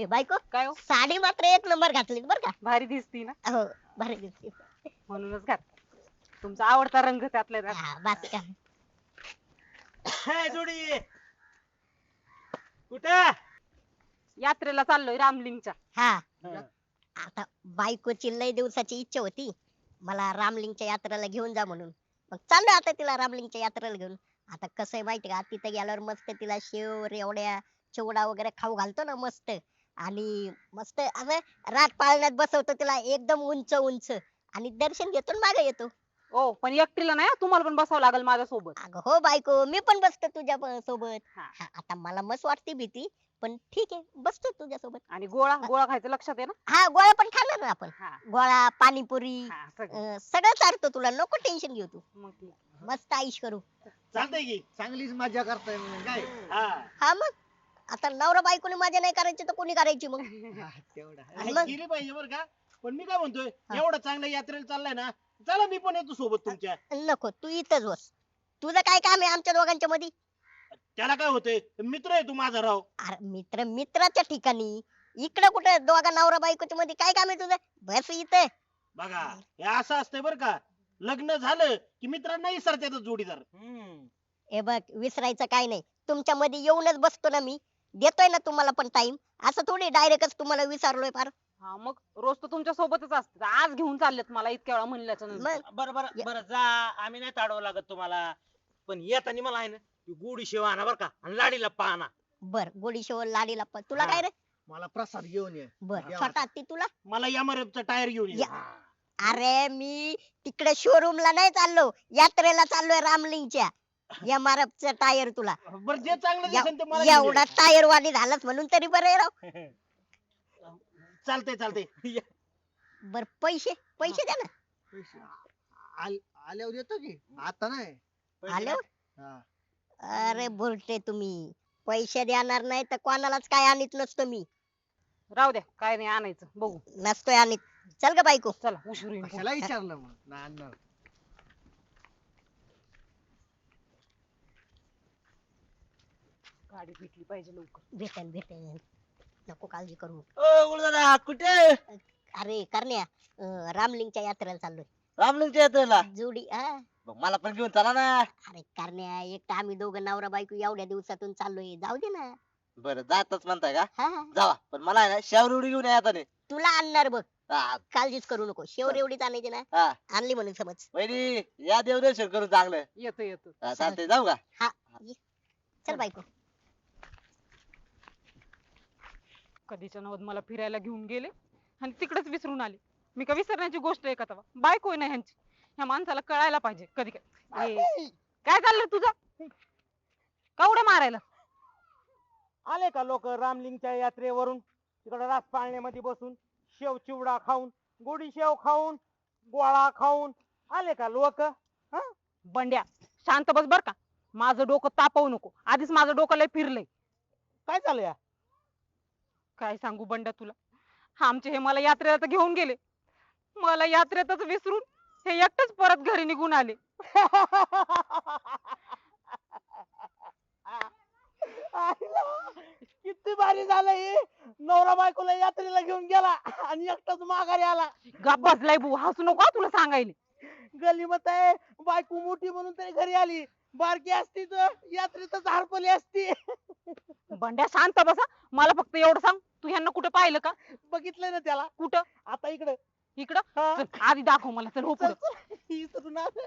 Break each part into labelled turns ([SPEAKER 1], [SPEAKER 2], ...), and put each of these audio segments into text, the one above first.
[SPEAKER 1] बायको
[SPEAKER 2] काय हो
[SPEAKER 1] साडी मात्र एक नंबर घातली बर का.
[SPEAKER 2] भारी दिसती ना
[SPEAKER 1] हो भारी दिसते.
[SPEAKER 2] म्हणूनच घात तुमचा आवडता रंग त्यातल्या त्यात.
[SPEAKER 1] हा बस का.
[SPEAKER 3] हाय जोडी कुठं
[SPEAKER 2] यात्रेला चाललोय रामलिंगच्या.
[SPEAKER 1] हा आता बायकोची लय दिवसाची इच्छा होती मला रामलिंगच्या यात्रेला घेऊन जा म्हणून. मग चाललोय आता तिला रामलिंगच्या यात्रेला घेऊन. आता कसं आहे माहिती का तिथे गेल्यावर मस्त तिला शेव रेवड्या चिवडा वगैरे खाऊ घालतो ना मस्त. आणि मस्त असं रात पाळण्यात बसवतो तिला एकदम उंच उंच. आणि दर्शन घेतो आणि मागे येतो.
[SPEAKER 2] ओ पण एकटीला नाही हं, तुम्हाला पण बसावं लागेल माझ्या सोबत.
[SPEAKER 1] अगं हो बायको मी पण बसतो तुझ्या सोबत.
[SPEAKER 2] हा.
[SPEAKER 1] हा, आता मला मस्त वाटते भीती पण ठीक आहे बसतो तुझ्या सोबत.
[SPEAKER 2] आणि गोळा गोळा खायचं लक्षात आहे ना.
[SPEAKER 1] हा गोळा पण खाणार ना आपण.
[SPEAKER 2] हा
[SPEAKER 1] गोळा पाणीपुरी
[SPEAKER 2] हा सगळं.
[SPEAKER 1] सगळं चालतो तुला नको टेन्शन घेऊ तू.
[SPEAKER 2] मग ठीक.
[SPEAKER 1] मस्त आईश करू.
[SPEAKER 3] चालतंय की चांगलीच मजा करताय मग काय हा
[SPEAKER 1] हा मग आता नवरा बायकोने मजा नाही करायची तर कोणी करायची मग.
[SPEAKER 3] तेवढा
[SPEAKER 1] आणि मग?
[SPEAKER 3] गेली पाहिजे बरं का. पण मी काय म्हणतोय
[SPEAKER 1] हा.
[SPEAKER 3] एवढं चांगल्या यात्रेला चाललाय ना चला मी पण येतो सोबत तुमच्या.
[SPEAKER 1] नको तू इथंच बस. तुझं काय काम आहे आमच्या दोघांच्या मध्ये.
[SPEAKER 3] त्याला काय होतंय मित्र आहे तू माझा राव.
[SPEAKER 1] अरे मित्र मित्राच्या ठिकाणी इकडं कुठे दोघा नवरा बायकोच्या मध्ये काय काम आहे तुझं. बस इथं.
[SPEAKER 3] बघा हे असं असतंय बरं का. लग्न झालं की मित्रांना विसरतात जोडीदार.
[SPEAKER 1] हे बघ विसरायचं काय नाही तुमच्या मध्ये येऊनच बसतो ना मी. देतोय ना तुम्हाला पण टाइम. असं थोडी डायरेक्टच तुम्हाला विसरलोय फार.
[SPEAKER 2] हा मग रोज तर तुमच्या सोबतच असते आज घेऊन चाललेत मला इतक्या वेळा म्हणल्याच्या नंतर.
[SPEAKER 1] मग
[SPEAKER 4] बरं बरं बरं जा आम्ही नाही ताडवं लागत तुम्हाला पण येताना मला आहे ना ती गोडी शेव आणा बरं का आणि लाडीला पाहना.
[SPEAKER 1] बर गोडी शेव लाडीला तुला
[SPEAKER 4] हा.
[SPEAKER 1] काय रे.
[SPEAKER 3] मला प्रसाद घेऊन ये.
[SPEAKER 1] बर
[SPEAKER 3] या
[SPEAKER 1] छोटा ती तुला.
[SPEAKER 3] मला एमआरएफचा टायर घेऊन ये.
[SPEAKER 1] या. अरे मी तिकडे शोरूमला नाही चाललो यात्रेला चाललोय रामलिंगच्या. एमआरएफचा टायर तुला.
[SPEAKER 3] बरं जे चांगलं दिसेल ते मला घेऊन
[SPEAKER 1] एवढा
[SPEAKER 3] ये.
[SPEAKER 1] टायर वाली झालाच म्हणून तरी बरं आहे राव.
[SPEAKER 3] चालतंय चालतंय.
[SPEAKER 1] बर पैसे पैसे द्या ना.
[SPEAKER 3] आल्यावर येतो की आता नाही.
[SPEAKER 1] आलो.
[SPEAKER 3] हा.
[SPEAKER 1] अरे बोलते तुम्ही पैसे देणार नाही तर कोणालाच काय आणत नसतो मी.
[SPEAKER 2] राहू द्या काय नाही आणायचं बघू.
[SPEAKER 1] नसतोय आणत. चल ग बायको.
[SPEAKER 2] चला उशीर होईल.
[SPEAKER 3] कशाला विचारलं मग नाही आणणार.
[SPEAKER 2] गाडी भेटली पाहिजे लवकर.
[SPEAKER 1] भेटेन भेटेन. नको काळजी करू.
[SPEAKER 4] ओ गुरुदादा कुठे
[SPEAKER 1] अरे करण्या रामलिंगच्या यात्रेला चाललोय.
[SPEAKER 4] रामलिंगच्या यात्रेला
[SPEAKER 1] जोडी हा.
[SPEAKER 4] मग मला पण घेऊन चला ना.
[SPEAKER 1] अरे करण्या एक तर आम्ही दोघं नवरा बायको एवढ्या दिवसातून चाललोय जाऊ दे ना.
[SPEAKER 4] बरं जातच म्हणताय का
[SPEAKER 1] हा हा.
[SPEAKER 4] जावा पण मला आहे ना शेवरुडी घेऊन या येताना.
[SPEAKER 1] तुला आणणार बघ.
[SPEAKER 4] हा
[SPEAKER 1] काळजीच करू नको शेवर एवढीच आणायची ना.
[SPEAKER 4] हा.
[SPEAKER 1] आणली म्हणून समज.
[SPEAKER 4] वहिनी या देवदर्शन करून चांगलं.
[SPEAKER 2] येतो येतो.
[SPEAKER 4] हा, चालतंय जाऊ का.
[SPEAKER 1] हा ये. चल बायको.
[SPEAKER 2] कधीच्या नवद मला फिरायला घेऊन गेले आणि तिकडेच विसरून आले. मी का विसरण्याची गोष्ट आहे का तेव्हा बायको आहे ना ह्यांची. ह्या माणसाला कळायला पाहिजे कधी काय. काय चाललंय तुझं का उड्या मारायला.
[SPEAKER 5] आले का लोक रामलिंगच्या यात्रेवरून तिकडे रास पाळण्यामध्ये बसून शेव चिवडा खाऊन गोडी शेव खाऊन गोळा खाऊन आले का लोक.
[SPEAKER 2] बंड्या शांत बस बर का. माझं डोकं तापवू नको आधीच माझं डोकं लय फिरलंय.
[SPEAKER 5] काय चालू या
[SPEAKER 2] काय सांगू बंड्या तुला. आमचे हे मला यात्रेला तर घेऊन गेले. मला यात्रेतच विसरून हे एकटेच परत घरी निघून आले.
[SPEAKER 5] किती भारी झालं हे नवरा बायकोला यात्रेला घेऊन गेला आणि एकटाच माघारी आला.
[SPEAKER 2] गप बसलाय बू हसू नको हा तुला सांगायले.
[SPEAKER 5] गलीमत आहे बायको मोठी म्हणून तरी घरी आली. बारकी असती तर यात्रेतच हरपली असती.
[SPEAKER 2] बंड्या शांत बसा. मला फक्त एवढं सांग तू ह्यांना कुठं पाहिलं का.
[SPEAKER 5] बघितलंय ना त्याला
[SPEAKER 2] कुठं
[SPEAKER 5] आता इकडे
[SPEAKER 2] इकडं. चल, आधी दाखव मला चल हो पुढं.
[SPEAKER 5] इकडून आलं.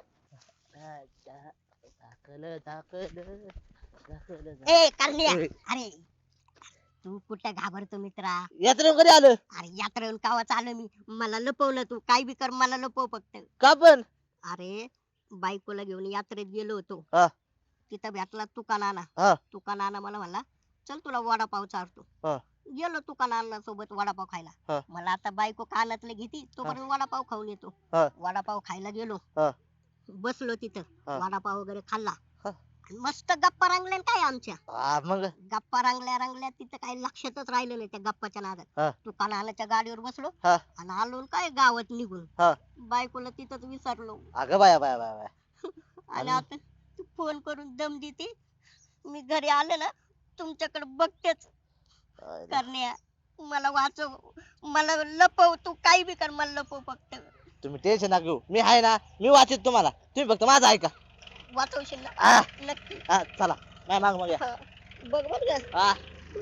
[SPEAKER 1] ए करण्या. अरे तू कुठं घाबरतो मित्रा.
[SPEAKER 4] यात्रेवर कधी आलं
[SPEAKER 1] अरे यात्रेहून कावा आलो मी. मला लपवलं तू काय बी कर मला लपव फक्त.
[SPEAKER 4] का पण.
[SPEAKER 1] अरे बायकोला घेऊन यात्रेत गेलो होतो.
[SPEAKER 4] हा.
[SPEAKER 1] तिथं भेटला तुका नाना.
[SPEAKER 4] हा.
[SPEAKER 1] तुका नाना मला म्हणला चल तुला वडापाव चारतो.
[SPEAKER 4] हा.
[SPEAKER 1] गेलो तुका नाना सोबत वडापाव खायला.
[SPEAKER 4] हा.
[SPEAKER 1] मला आता बायको कानातले घेती तोपर्यंत वडापाव खाऊन येतो.
[SPEAKER 4] हा.
[SPEAKER 1] वडापाव खायला गेलो.
[SPEAKER 4] हा.
[SPEAKER 1] बसलो तिथं.
[SPEAKER 4] हा.
[SPEAKER 1] वडापाव वगैरे खाल्ला.
[SPEAKER 4] हा.
[SPEAKER 1] आणि मस्त गप्पा रंगल्या न काय आमच्या.
[SPEAKER 4] हा, मग
[SPEAKER 1] गप्पा रंगल्या रंगल्या तिथं काही लक्षातच राहिलं नाही त्या गप्पाच्या
[SPEAKER 4] हा.
[SPEAKER 1] नादात. तुका नानाच्या गाडीवर बसलो.
[SPEAKER 4] हा.
[SPEAKER 1] आणि आलो न काय गावात निघून.
[SPEAKER 4] हा.
[SPEAKER 1] बायकोला तिथंच विसरलो.
[SPEAKER 4] अगं बाया बाया बाया बाया.
[SPEAKER 1] आणि आता तू फोन करून दम देते. मी घरी आले ना तुमच्याकडे बघतेच. करण्या मला वाचव, मला लपव, तू काही बी कर, मला लपव फक्त.
[SPEAKER 6] तुम्ही टेन्शन नका घेऊ, मी आहे ना, मी वाचित तुम्हाला, तुम्ही फक्त माझं ऐका.
[SPEAKER 1] वाचवशील ना?
[SPEAKER 6] हा.
[SPEAKER 1] नक्की.
[SPEAKER 6] हा चला, नाही माग मग या.
[SPEAKER 1] हा. बघ बर का.
[SPEAKER 6] हा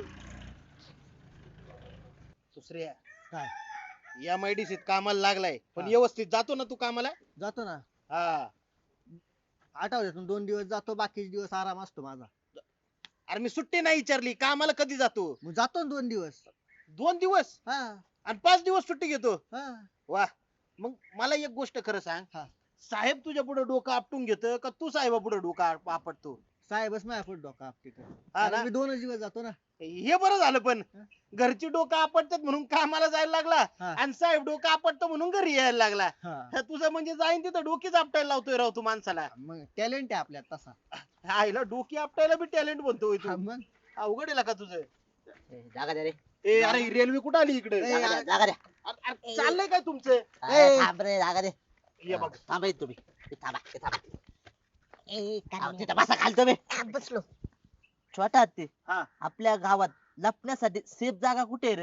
[SPEAKER 3] दुसऱ्या
[SPEAKER 5] काय?
[SPEAKER 3] या MIDC त कामाला लागलाय पण
[SPEAKER 5] हा.
[SPEAKER 3] व्यवस्थित जातो ना तू कामाला?
[SPEAKER 5] जातो ना,
[SPEAKER 3] हा.
[SPEAKER 5] आठवड्यातून 2 दिवस जातो, बाकीचे दिवस आराम असतो माझा.
[SPEAKER 3] अरे मी सुट्टी नाही विचारली, कामाला कधी जातो?
[SPEAKER 5] मग जातो ना 2 दिवस.
[SPEAKER 3] 2 दिवस
[SPEAKER 5] हा
[SPEAKER 3] आणि 5 दिवस सुट्टी घेतो?
[SPEAKER 5] हा.
[SPEAKER 3] वा. मग मला एक गोष्ट खरं सांग,
[SPEAKER 5] हा.
[SPEAKER 3] साहेब तुझ्या पुढे डोकं आपटून घेत का तू साहेबा पुढे डोकं आपटतो?
[SPEAKER 5] साहेबच माझ्या पुढे डोका आपटे
[SPEAKER 3] हा ना?
[SPEAKER 5] मी 2 दिवस जातो ना.
[SPEAKER 3] हे बरं झालं पण
[SPEAKER 5] हा.
[SPEAKER 3] घरची डोकं आपटतात म्हणून कामाला जायला लागला
[SPEAKER 5] हा.
[SPEAKER 3] आणि साहेब डोकं आपटतो म्हणून घरी यायला लागला.
[SPEAKER 5] हा.
[SPEAKER 3] हा, तुझं म्हणजे जाईन तिथं डोकीच आपटायला लावतोय राव तू माणसाला.
[SPEAKER 5] मग टॅलेंट आहे आपल्यात तसा.
[SPEAKER 3] आईला डोकी आपटायला बी टॅलेंट बनतोय
[SPEAKER 5] हा,
[SPEAKER 3] तू.
[SPEAKER 5] मग
[SPEAKER 3] अवघड आहे का तुझं?
[SPEAKER 6] ए, जागा द्या रे.
[SPEAKER 3] ए अरे रेल्वे कुठं आली इकडे?
[SPEAKER 5] ए,
[SPEAKER 6] जागा द्या, जागा द्या.
[SPEAKER 3] अरे, चाललंय काय तुमचं?
[SPEAKER 6] अरे, थांब रे, जागा दे.
[SPEAKER 3] ये बघ
[SPEAKER 6] थांबा इथं तुम्ही. इथं थांबा, इथं थांबा.
[SPEAKER 1] ए,
[SPEAKER 6] अहो,
[SPEAKER 1] कारण्या.
[SPEAKER 6] तिथं बसा खाली तुम्ही.
[SPEAKER 1] हा, बसलो.
[SPEAKER 6] छोटा हत्ती,
[SPEAKER 3] हा.
[SPEAKER 6] आपल्या गावात लपण्यासाठी सेफ जागा कुठे आहे रे?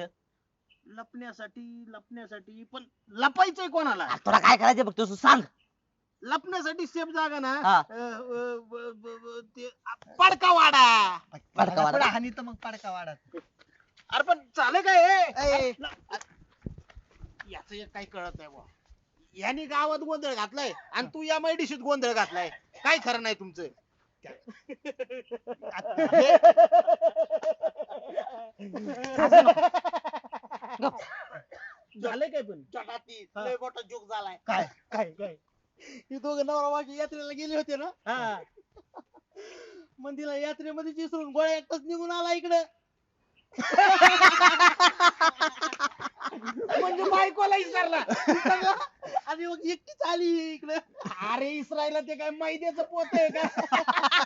[SPEAKER 3] लपण्यासाठी पण लपायचंय कोणाला?
[SPEAKER 6] अरे, तुला काय करायचं बघ तू सांग.
[SPEAKER 3] लपण्यासाठी सेफ जागा ना
[SPEAKER 6] हा.
[SPEAKER 3] ते पडका वाडा.
[SPEAKER 6] पडका वाडा.
[SPEAKER 5] हानी तर मग पडका वाढत.
[SPEAKER 3] अरे पण चालेल काय
[SPEAKER 5] ए.
[SPEAKER 3] याच एक काही कळत नाही बुवा. यांनी गावात गोंधळ घातलाय आणि तू या MIDC त गोंधळ घातलाय. काय खरं नाही तुमचं. झालंय काय पण?
[SPEAKER 6] छोटा लय मोठा जोक झालाय.
[SPEAKER 3] काय काय काय
[SPEAKER 5] ही दोघं नवरा बायको यात्रेला गेले होते ना.
[SPEAKER 3] हा.
[SPEAKER 5] मंदिरा यात्रेमध्ये विसरून गोळ्या एकटाच निघून आला इकडे.
[SPEAKER 3] म्हणजे बायकोला विचारला.
[SPEAKER 5] आणि मग एकटीच आली इकडे.
[SPEAKER 3] अरे इस्रायला ते काय मैद्याचं पोत आहे का?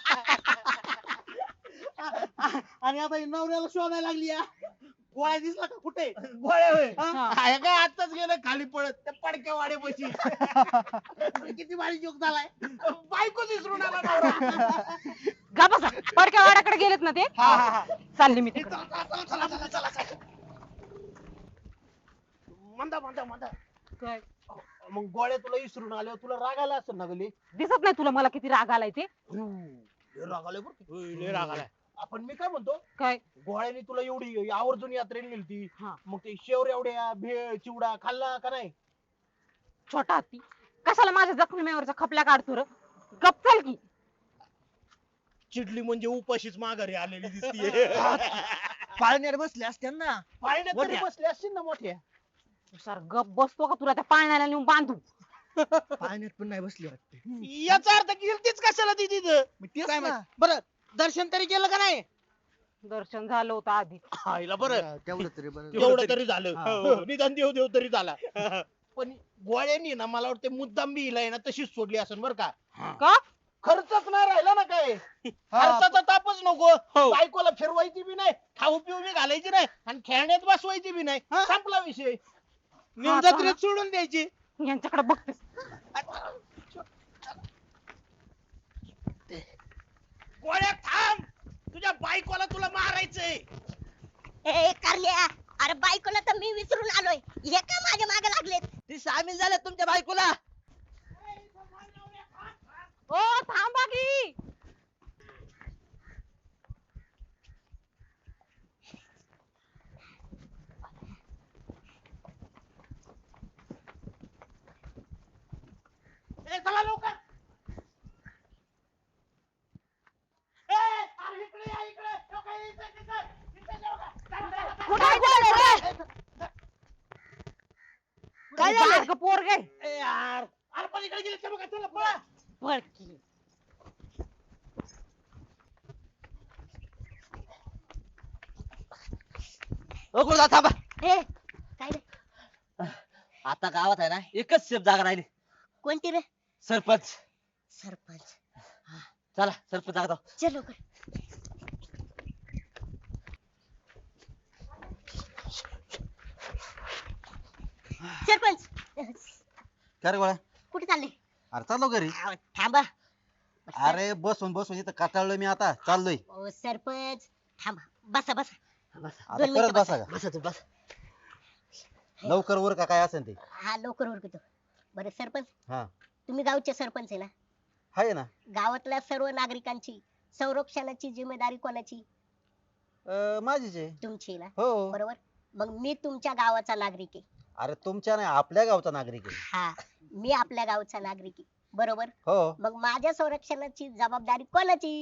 [SPEAKER 5] आणि आता ही नवऱ्याला शोधायला लागली या. गोळ्या दिसला का कुठे?
[SPEAKER 3] गोळ्या होय.
[SPEAKER 2] हा.
[SPEAKER 3] काय काय आताच गेलं खाली पडत त्या पडक्या वाड्यापाशी.
[SPEAKER 5] किती भारी जोक झालाय.
[SPEAKER 3] बायकोच विसरून आला नवरा.
[SPEAKER 2] गा बसा, पडक्या वाड्याकडे गेलेत ना ते.
[SPEAKER 3] हा, हा, हा.
[SPEAKER 2] चालले मी तिकडे.
[SPEAKER 3] चला. मंदा
[SPEAKER 2] काय
[SPEAKER 3] मग गोळ्या तुला विसरून आल्यावर तुला राग आला असेल ना गली?
[SPEAKER 2] दिसत नाही तुला मला किती राग आलाय ते?
[SPEAKER 3] राग आलाय बरं का? लय राग आलाय. आपण मी काय म्हणतो,
[SPEAKER 2] काय
[SPEAKER 3] गोळ्याने तुला एवढी आवर्जून यात्रेला नेलती,
[SPEAKER 2] हा.
[SPEAKER 3] मग ते शेवर एवढ्या भेळ चिवडा खाल्ला का नाही?
[SPEAKER 2] छोटा हत्ती, कशाला माझ्या जखमीवरच्या खपल्या काढतो र? गप चल की.
[SPEAKER 3] चिडली म्हणजे उपाशीच माघारी आलेली दिसतीये.
[SPEAKER 5] पाळण्यात बसले असते ना.
[SPEAKER 3] पाळण्यात तरी
[SPEAKER 5] मोठ्या.
[SPEAKER 3] बसले असतील ना मोठ्या.
[SPEAKER 2] सर गप बसतो का तुला त्या पाळण्याला नेऊन बांधू?
[SPEAKER 5] पाळण्यात पण नाही बसली वाटते.
[SPEAKER 3] याचा अर्थ गेलतीच कशाला ती तिथं?
[SPEAKER 5] मग तेच
[SPEAKER 3] काय
[SPEAKER 5] ना.
[SPEAKER 3] माहित. बरं दर्शन तरी केलं का नाही?
[SPEAKER 2] दर्शन झालं होतं आधी.
[SPEAKER 3] आईला बरं
[SPEAKER 5] हा, तेवढं तरी बरं.
[SPEAKER 3] तेवढं तरी झालं.
[SPEAKER 5] हा.
[SPEAKER 3] हो, निदान देव देव तरी झाला. पण गोळ्यांनी ना मला वाटतं मुद्दाम बी हिला आहे ना तशीच सोडली असेल बरं का?
[SPEAKER 2] का?
[SPEAKER 3] खर्चच नाही राहिला ना काय. खर्चाचा तापच नको. बायकोला फिरवायची बी नाही, खाऊ पिऊ बी घालायची नाही आणि खेळण्यात बसवायची बी नाही. संपला विषय.
[SPEAKER 2] हा,
[SPEAKER 3] जत्रेत सोडून द्यायची.
[SPEAKER 2] यांच्याकडे बघतेस.
[SPEAKER 3] गोळ्या थांब, तुझ्या बायकोला तुला मारायचंय.
[SPEAKER 1] ए कारण्या, अरे बायकोला तर मी विसरून आलोय, हे का माझ्या मागे लागलेत?
[SPEAKER 6] ती सामील झाल्या तुमच्या बायकोला.
[SPEAKER 2] ओ थांबा की.
[SPEAKER 3] ए, चला लवकर. ए, अरे इकडे या, इकडे. लवकर, इथे लवकर. चला.
[SPEAKER 2] कुठे गेले रे?
[SPEAKER 6] काय झालं?
[SPEAKER 2] बारकं पोरगं आहे.
[SPEAKER 3] ए, यार. अरे पण इकडे गेले बघा, चला पळा.
[SPEAKER 2] पळ की.
[SPEAKER 6] ओ गुरुदा थांबा.
[SPEAKER 1] ए काय रे?
[SPEAKER 6] आता गावात आहे ना एकच सेफ जागा राहिली,
[SPEAKER 1] कोणती रे?
[SPEAKER 6] सरपंच.
[SPEAKER 1] सरपंच.
[SPEAKER 6] चला सरपंच जागा दाव.
[SPEAKER 1] चल लवकर. सरपंच,
[SPEAKER 7] काय रे गोळ्या?
[SPEAKER 1] कुठे चालले?
[SPEAKER 7] अरे चाललो घरी.
[SPEAKER 1] थांबा.
[SPEAKER 7] अरे बसून बसून इथं कटाळलोय मी, आता चाललोय.
[SPEAKER 1] ओ सरपंच थांबा, बसा बसा.
[SPEAKER 7] आता
[SPEAKER 1] दोन मिनिटं
[SPEAKER 7] परत बसा का
[SPEAKER 6] बसा तू बस.
[SPEAKER 7] लवकर वर का काय असेल ते
[SPEAKER 1] हा लवकर उरकतो. बरं सरपंच,
[SPEAKER 7] हा
[SPEAKER 1] तुम्ही गावचे सरपंच आहे ना?
[SPEAKER 7] आहे ना.
[SPEAKER 1] गावातल्या सर्व नागरिकांची संरक्षणाची जिम्मेदारी कोणाची?
[SPEAKER 7] माझीच आहे.
[SPEAKER 1] तुमची ना?
[SPEAKER 7] हो.
[SPEAKER 1] बरोबर. मग मी तुमच्या गावाचा नागरिक आहे.
[SPEAKER 7] अरे तुमच्या नाही आपल्या गावचा नागरिक आहे.
[SPEAKER 1] हा, मी आपल्या गावचा नागरिक आहे. बरोबर.
[SPEAKER 7] हो.
[SPEAKER 1] मग माझ्या संरक्षणाची जबाबदारी कोणाची?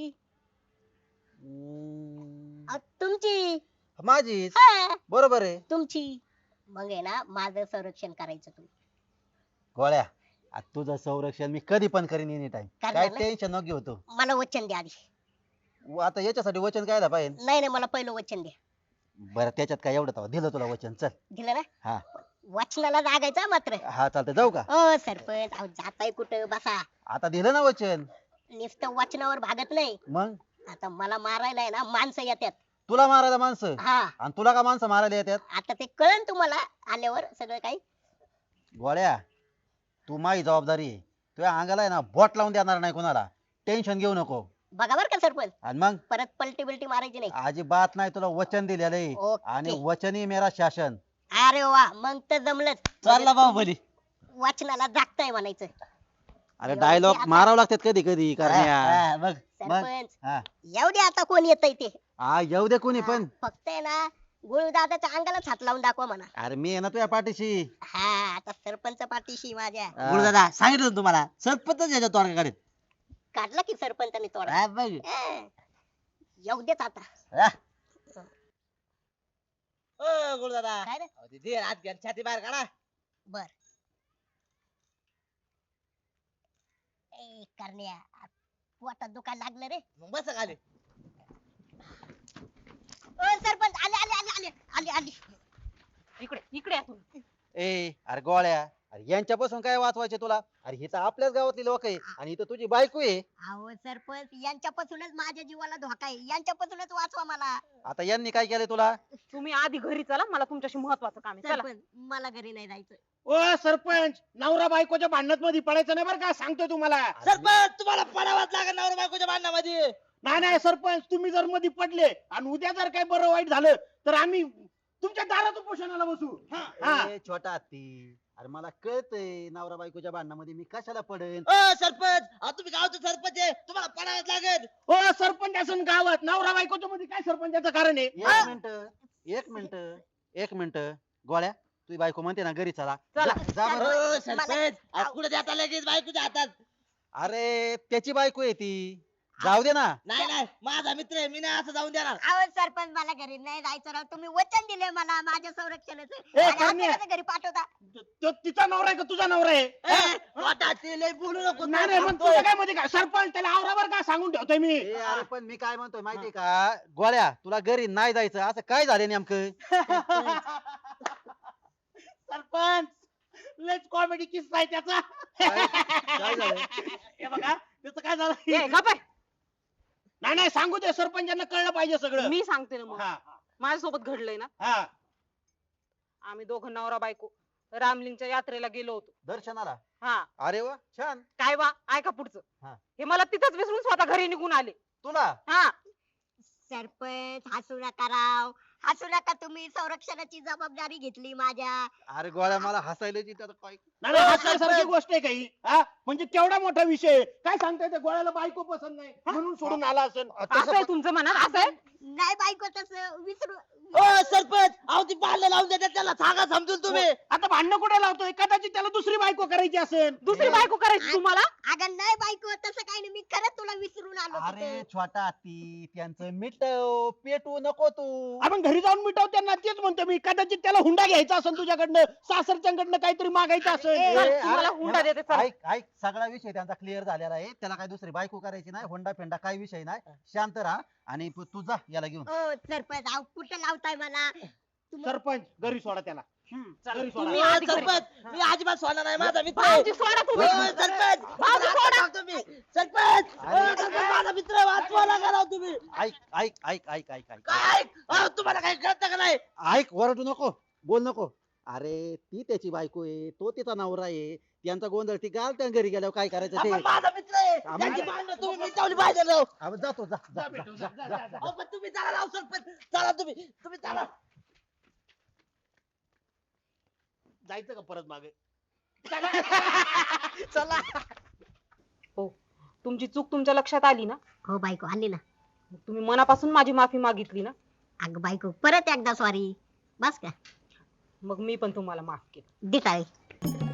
[SPEAKER 1] तुमची.
[SPEAKER 7] माझीच.
[SPEAKER 1] हा,
[SPEAKER 7] बरोबर आहे.
[SPEAKER 1] तुमची. मग आहे ना माझं संरक्षण करायचं तुम्ही.
[SPEAKER 7] गोळ्या आता तुझं संरक्षण मी कधी पण करीन एनी टाइम.
[SPEAKER 1] करणार
[SPEAKER 7] काय
[SPEAKER 1] ना?
[SPEAKER 7] टेन्शन नको घेऊ तू.
[SPEAKER 1] मला वचन द्या आधी.
[SPEAKER 7] आता याच्यासाठी वचन काय पाहिजे.
[SPEAKER 1] नाही नाही, मला पहिलं वचन द्या.
[SPEAKER 7] बरं त्याच्यात काय एवढं तेव्हा दिलं तुला वचन चल.
[SPEAKER 1] दिलं ना?
[SPEAKER 7] हा.
[SPEAKER 1] वचनाला जागायचं मात्र.
[SPEAKER 7] हा चालतंय जाऊ का.
[SPEAKER 1] ओ सरपंच, अहो जाताय कुठं? बसा.
[SPEAKER 7] आता दिलं ना वचन.
[SPEAKER 1] नुसतं वचनावर भागत नाही.
[SPEAKER 7] मग
[SPEAKER 1] आता मला मारायला आहे ना माणसं येतात.
[SPEAKER 7] तुला मारायला माणसं
[SPEAKER 1] हा,
[SPEAKER 7] आणि तुला का माणसं मारायला येतात.
[SPEAKER 1] आता ते कळन तुम्हाला आल्यावर सगळं काही.
[SPEAKER 7] गोळ्या तू माझी जबाबदारी आहे. तुझ्या अंगाला आहे ना बोट लावून देणार नाही कोणाला. टेन्शन घेऊ नको.
[SPEAKER 1] बघा बर का सरपंच,
[SPEAKER 7] आणि मग
[SPEAKER 1] परत पलटी बिलटी मारायची नाही.
[SPEAKER 7] अजिबात नाही तुला वचन दिलेलं आहे.
[SPEAKER 1] ओके.
[SPEAKER 7] आणि वचनी मेरा शासन.
[SPEAKER 1] अरे वा, मग तर जमलंच.
[SPEAKER 6] चालला बाहुबली.
[SPEAKER 1] वचनाला जागताय म्हणायचं.
[SPEAKER 7] अरे डायलॉग मारावं लागतात कधी कधी करण्या.
[SPEAKER 6] हा, मग
[SPEAKER 1] सरपंच,
[SPEAKER 7] हा
[SPEAKER 1] येऊ दे आता कोण येतय ते.
[SPEAKER 7] हा येऊ दे कोणी पण.
[SPEAKER 1] फक्त आहे ना गुरुदादाच्या अंगालाच हात लावून दाखवा म्हणा.
[SPEAKER 7] अरे मी आहे ना तुझ्या पाठीशी.
[SPEAKER 1] हा, आता सरपंच पाठीशी माझ्या.
[SPEAKER 7] हा.
[SPEAKER 6] गुरुदादा सांगितलं ना तुम्हाला सरपंच याच्या तोडगाडीत.
[SPEAKER 1] काढला की सरपंचाने तोडा.
[SPEAKER 6] हा, बघ.
[SPEAKER 1] येऊ देत आता.
[SPEAKER 6] हा. ओ गुरुदादा
[SPEAKER 1] काय रे?
[SPEAKER 6] अहो, ते दे हात घ्या छाती बाहेर काढा.
[SPEAKER 1] बर. ए करण्या, पोटात दुखायला लागलं रे.
[SPEAKER 6] मग बस खाली.
[SPEAKER 1] ओ सरपंच, आले आले आले आले आले आले.
[SPEAKER 2] इकडे इकडे या तुम्ही.
[SPEAKER 7] ए अरे गोळ्या अरे यांच्यापासून काय वाचवायचे तुला. अरे ही तर आपल्याच गावातली लोक आहे आणि इथं तुझी बायको आहे.
[SPEAKER 1] अहो सरपंच, यांच्यापासूनच माझ्या जीवाला धोका आहे. यांच्यापासूनच वाचवा मला.
[SPEAKER 7] आता यांनी काय केलंय तुला.
[SPEAKER 2] तुम्ही आधी घरी चला, मला तुमच्याशी महत्वाचं काम आहे. चला.
[SPEAKER 1] सरपंच, मला घरी नाही जायचं.
[SPEAKER 3] ओ सरपंच, नवरा बायकोच्या भांडणात मध्ये पडायचं नाही बरं का, सांगतोय तुम्हाला.
[SPEAKER 6] सरपंच तुम्हाला पडावाच लागेल नवरा बायकोच्या भांडणामध्ये.
[SPEAKER 3] नाही नाही सरपंच, तुम्ही जर मध्ये पडले आणि उद्या जर काही बरं वाईट झालं तर आम्ही तुमच्या दारात उपोषणाला बसू. हा.
[SPEAKER 7] ए, छोटा हत्ती अरे मला कळतंय नवरा बायकोच्या भांडणामध्ये मी कशाला पडेन.
[SPEAKER 6] ओ सरपंच अहो, तुम्ही गावचे सरपंच आहे तुम्हाला पडावाच लागेल.
[SPEAKER 3] ओ सरपंच असून गावात नवरा बायकोच्या मध्ये काय सरपंचाचं कारण आहे.
[SPEAKER 7] एक मिनिट एक मिनिट गोळ्या तुझी बायको म्हणते ना घरी चला.
[SPEAKER 2] चला.
[SPEAKER 7] जा बरं.
[SPEAKER 6] ओ सरपंच अहो, कुठे जाता लगेच बायकोच्या हातात.
[SPEAKER 7] अरे त्याची बायको आहे ती. जाऊ दे ना.
[SPEAKER 6] नाही नाही माझा मित्र आहे मी नाही असं जाऊन देणार.
[SPEAKER 1] अहो सरपंच, मला घरी नाही जायचं राव. तुम्ही वचन दिले मला माझ्या संरक्षणाचं.
[SPEAKER 3] ए,
[SPEAKER 1] आणि
[SPEAKER 3] करण्या.
[SPEAKER 1] आता कसं घरी पाठवता?
[SPEAKER 3] तो तिचा नवरा आहे का तुझा नवरा आहे.
[SPEAKER 6] ए, वाटा, ते लय बोलू नको.
[SPEAKER 3] नाही नाही, मग तुझं काय मध्ये काय सरपंच त्याला आवरावर का सांगून ठेवतोय मी.
[SPEAKER 7] ए, अरे पण मी काय म्हणतोय माहितीये का गोळ्या तुला घरी नाही जायचं असं काय झालं नेमकं.
[SPEAKER 3] सरपंच लयच कॉमेडी किस्सा आहे त्याचा.
[SPEAKER 7] काय झालं?
[SPEAKER 3] हे बघा त्याचं काय
[SPEAKER 2] ए,
[SPEAKER 3] झालं.
[SPEAKER 2] गप्प आहे.
[SPEAKER 3] नाही नाही, सांगू दे, सरपंचांना कळलं पाहिजे सगळं.
[SPEAKER 2] मी सांगते ना मग.
[SPEAKER 3] हा
[SPEAKER 2] माझ्यासोबत घडलंय ना.
[SPEAKER 3] हा.
[SPEAKER 2] आम्ही दोघं नवरा बायको रामलिंगच्या यात्रेला गेलो होतो.
[SPEAKER 7] दर्शनाला.
[SPEAKER 2] हा,
[SPEAKER 7] अरे वा छान.
[SPEAKER 2] काय वा ऐका पुढचं.
[SPEAKER 7] हा.
[SPEAKER 2] हे मला तिथंच विसरून स्वतः घरी निघून आले.
[SPEAKER 7] तुला
[SPEAKER 2] हा,
[SPEAKER 1] सरपंच हसू नका राव, हसू नका. तुम्ही संरक्षणाची जबाबदारी घेतली माझ्या.
[SPEAKER 7] अरे गोळ्या मला हसायला येते आता काय.
[SPEAKER 3] नाही नाही, हसायसारखी गोष्ट आहे काही. हा म्हणजे केवढा मोठा विषय आहे. काय सांगताय त्या गोळ्याला बायको पसंत नाही म्हणून सोडून आला असेल.
[SPEAKER 2] असं आहे तुमचं मनात, असं आहे.
[SPEAKER 1] नाही बायको तसं विसरू.
[SPEAKER 6] ओ सरपंच अहो ती बांधलं लावून देतात त्याला सांगा समजून तुम्ही.
[SPEAKER 3] आता भांडणं कुठे लावतोय. कदाचित त्याला दुसरी बायको करायची असेल.
[SPEAKER 2] दुसरी बायको करायची तुम्हाला.
[SPEAKER 1] अगं नाही बायको तसं काही नाही. मी खरंच तुला विसरून आलो
[SPEAKER 7] अरे
[SPEAKER 1] तिथे.
[SPEAKER 7] छोटा हत्ती त्यांचं मिटव पेटू नको तू.
[SPEAKER 3] आपण घरी जाऊन मिटव त्यांना. तेच म्हणतो मी, कदाचित त्याला हुंडा घ्यायचा असेल तुझ्याकडनं, सासरच्याकडनं काहीतरी मागायचं असेल.
[SPEAKER 7] ए,
[SPEAKER 2] चल,
[SPEAKER 7] अरे,
[SPEAKER 2] तुम्हाला हुंडा देते, चल.
[SPEAKER 7] ऐक ऐक सगळा विषय त्यांचा क्लिअर झालेला आहे. त्याला काय दुसरी बायको करायची नाही. होंडा फेंडा काही विषय नाही. शांत राहा आणि तू जा याला घेऊन.
[SPEAKER 1] ओ सरपंच, अहो कुठं लावताय मला?
[SPEAKER 3] सरपंच घरी सोडा त्याला.
[SPEAKER 2] चला,
[SPEAKER 3] घरी सोडा.
[SPEAKER 2] तुम्ही
[SPEAKER 6] ओ,
[SPEAKER 2] आधी घरी.
[SPEAKER 6] सरपंच मी अजिबात सोडणार नाही माझा मित्र आहे.
[SPEAKER 2] भाऊजी सोडा तुम्ही.
[SPEAKER 6] ओ, सरपंच
[SPEAKER 2] भाऊजी
[SPEAKER 6] मला
[SPEAKER 2] सोडा.
[SPEAKER 6] आता सांगतो मी. सरपंच ओ, सरपंच, माझा मित्र आहे, वाचवा लागा राव तुम्ही.
[SPEAKER 7] ऐक ऐक ऐक ऐक ऐक ऐक
[SPEAKER 6] काय ऐक अहो, तुम्हाला काही कळतं का नाही.
[SPEAKER 7] ऐक वरडू नको बोल नको. अरे ती त्याची बायको आहे तो तिचा नवरा आहे त्यांचा गोंधळ ती घाल त्या घरी गेल्यावर काय करायचं ते
[SPEAKER 6] आपण माझा मित्र आहे
[SPEAKER 7] हा, मग-
[SPEAKER 6] त्यांची भांडणं तुम्ही मिटवली पाहिजे राव
[SPEAKER 7] अहो, जातो जा जा,
[SPEAKER 3] जा
[SPEAKER 7] जा,
[SPEAKER 3] भेटू,
[SPEAKER 7] जा,
[SPEAKER 3] जा,
[SPEAKER 7] जा,
[SPEAKER 3] जा, जा.
[SPEAKER 6] अहो, पण तुम्ही चला राव सरपंच चला तुम्ही चला
[SPEAKER 3] जायचं का परत मागे
[SPEAKER 1] चला
[SPEAKER 2] हो तुमची चूक तुमच्या लक्षात आली ना
[SPEAKER 1] हो बायको आली ना.
[SPEAKER 2] मग तुम्ही मनापासून माझी माफी मागितली ना
[SPEAKER 1] अगं बायको परत एकदा सॉरी बस का
[SPEAKER 2] मग मी पण तुम्हाला माफ केलं
[SPEAKER 1] दिटाळे